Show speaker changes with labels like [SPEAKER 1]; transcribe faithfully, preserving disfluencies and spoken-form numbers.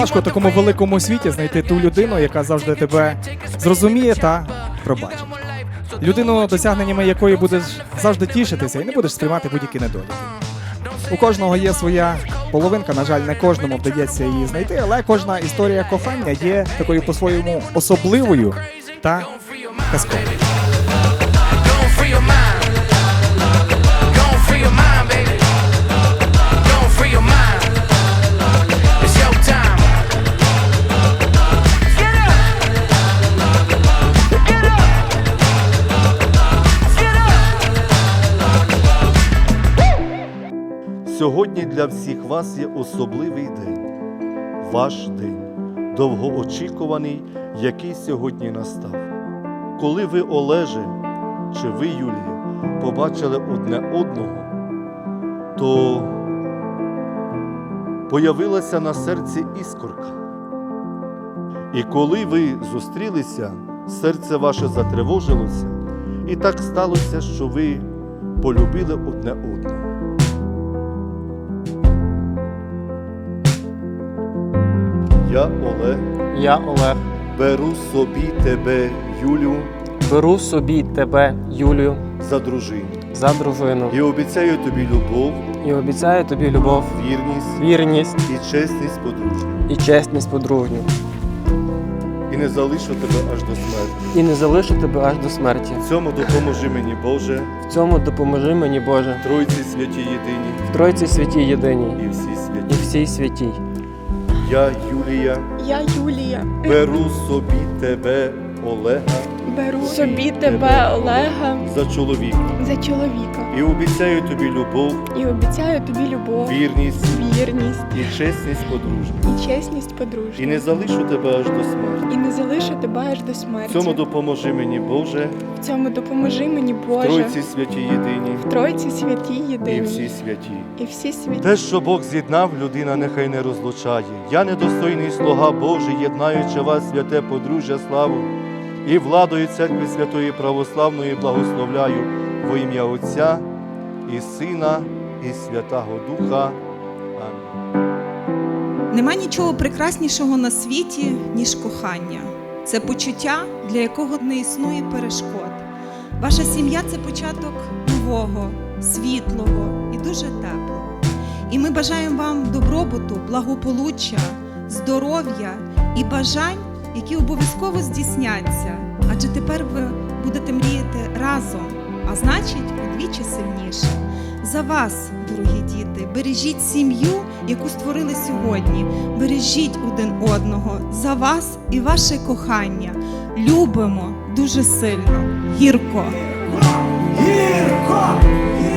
[SPEAKER 1] важко в такому великому світі знайти ту людину, яка завжди тебе зрозуміє та пробачить. Людину, досягненнями якої будеш завжди тішитися і не будеш сприймати будь-які недоліки. У кожного є своя половинка, на жаль, не кожному вдається її знайти, але кожна історія кохання є такою по-своєму особливою та казковою.
[SPEAKER 2] Сьогодні для всіх вас є особливий день, ваш день, довгоочікуваний, який сьогодні настав. Коли ви, Олеже, чи ви, Юлія, побачили одне одного, то появилася на серці іскорка. І коли ви зустрілися, серце ваше затривожилося, і так сталося, що ви полюбили одне одного. Я, Олег,
[SPEAKER 3] Я, Олег,
[SPEAKER 2] беру собі тебе, Юлю,
[SPEAKER 3] беру собі тебе, Юлію,
[SPEAKER 2] за дружину.
[SPEAKER 3] за дружину
[SPEAKER 2] І обіцяю тобі любов,
[SPEAKER 3] і обіцяю тобі любов,
[SPEAKER 2] вірність
[SPEAKER 3] вірність
[SPEAKER 2] і чесність подружню.
[SPEAKER 3] і чесність подружню.
[SPEAKER 2] І не залишу тебе аж до смерті.
[SPEAKER 3] І не залишу тебе аж до смерті.
[SPEAKER 2] В цьому допоможи мені, Боже,
[SPEAKER 3] В цьому допоможи мені, Боже,
[SPEAKER 2] Тройці святі єдині
[SPEAKER 3] в Тройці святій єдиній
[SPEAKER 2] і всі
[SPEAKER 3] і
[SPEAKER 2] святі.
[SPEAKER 3] всій святій.
[SPEAKER 2] Я, Юлія,
[SPEAKER 4] Я, Юлія,
[SPEAKER 2] беру собі тебе, Олега,
[SPEAKER 4] беру собі тебе, Олега,
[SPEAKER 2] за чоловіка.
[SPEAKER 4] за чоловіка
[SPEAKER 2] І обіцяю тобі любов,
[SPEAKER 4] і обіцяю тобі любов,
[SPEAKER 2] вірність
[SPEAKER 4] вірність
[SPEAKER 2] і чесність подружню.
[SPEAKER 4] і чесність подружню.
[SPEAKER 2] І не залишу тебе аж до смерті.
[SPEAKER 4] І не залишу тебе аж до
[SPEAKER 2] В
[SPEAKER 4] смерті.
[SPEAKER 2] цьому допоможи мені, Боже,
[SPEAKER 4] В цьому допоможи мені, Боже,
[SPEAKER 2] Тройці святі єдині
[SPEAKER 4] в Тройці святі
[SPEAKER 2] і
[SPEAKER 4] єдині
[SPEAKER 2] всі святі.
[SPEAKER 4] і всі святі.
[SPEAKER 2] Те, що Бог з'єднав, людина нехай не розлучає. Я недостойний слуга Божий, єднаючи вас, святе подружжя, славу, і владою Церкви Святої Православної благословляю во ім'я Отця і Сина, і Святого Духа. Амінь.
[SPEAKER 5] Нема нічого прекраснішого на світі, ніж кохання. Це почуття, для якого не існує перешкод. Ваша сім'я – це початок нового, світлого і дуже теплого. І ми бажаємо вам добробуту, благополуччя, здоров'я і бажань, які обов'язково здійсняться. Адже тепер ви будете мріяти разом, а значить, удвічі сильніше. За вас, дорогі діти, бережіть сім'ю, яку створили сьогодні. Бережіть один одного. За вас і ваше кохання. Любимо дуже сильно. Гірко.
[SPEAKER 6] Гірко!